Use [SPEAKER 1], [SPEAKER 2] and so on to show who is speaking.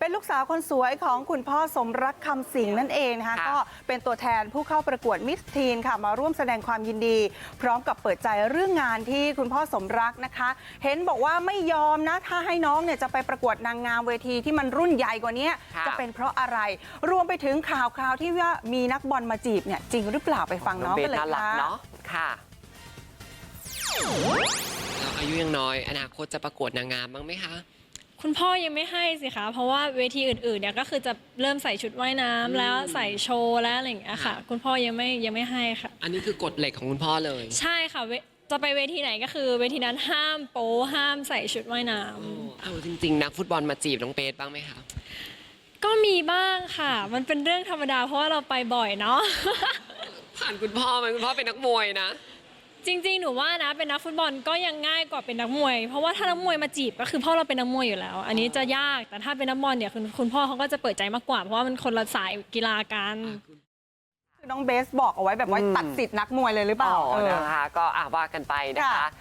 [SPEAKER 1] เป็นลูกสาวคนสวยของคุณพ่อสมรักคำสิงห์นั่นเองนะคะก็เป็นตัวแทนผู้เข้าประกวดมิสทีนค่ะมาร่วมแสดงความยินดีพร้อมกับเปิดใจเรื่องงานที่คุณพ่อสมรักนะคะเห็นบอกว่าไม่ยอมนะถ้าให้น้องเนี่ยจะไปประกวดนางงามเวทีที่มันรุ่นใหญ่กว่านี้จะเป็นเพราะอะไรรวมไปถึงข่าวที่ว่ามีนักบอลมาจีบเนี่ยจริงหรือเปล่าไปฟังน้องกันเลย
[SPEAKER 2] ค่ะเราอายุยังน้อยอนาคตจะประกวดนางงามบ้างไหมคะ
[SPEAKER 3] คุณพ่อยังไม่ให้สิคะเพราะว่าเวทีอื่นๆเนี่ยก็คือจะเริ่มใส่ชุดว่ายน้ำแล้วใส่โชว์แล้วอะไรอย่างเงี้ยค่ะคุณพ่อยังไม่ให้ค่ะ
[SPEAKER 2] อันนี้คือกฎเหล็กของคุณพ่อเลย
[SPEAKER 3] ใช่ค่ะจะไปเวทีไหนก็คือเวทีนั้นห้ามโป๊ห้ามใส่ชุดว่ายน้ำ
[SPEAKER 2] เอาจริงๆนักฟุตบอลมาจีบน้องเบสบ้างไหมคะ
[SPEAKER 3] ก็มีบ้างค่ะมันเป็นเรื่องธรรมดาเพราะว่าเราไปบ่อยเนาะ
[SPEAKER 2] ผ่านคุณพ่อไหมคุณพ่อเป็นนักมวยนะ
[SPEAKER 3] จริงๆหนูว่านะเป็นนักฟุตบอลก็ยังง่ายกว่าเป็นนักมวยเพราะว่าถ้านักมวยมาจีบก็คือพ่อเราเป็นนักมวยอยู่แล้วอันนี้จะยากแต่ถ้าเป็นนักบอลเนี่ยคุณพ่อเขาก็จะเปิดใจมากกว่าเพราะว่ามันคนละสายกีฬากัน
[SPEAKER 1] คือน้องเบสบอกเอาไว้แบบว่าตัดสิทธิ์นักมวยเลยหรือเปล่า
[SPEAKER 2] นะคะก็ว่ากันไปนะคะ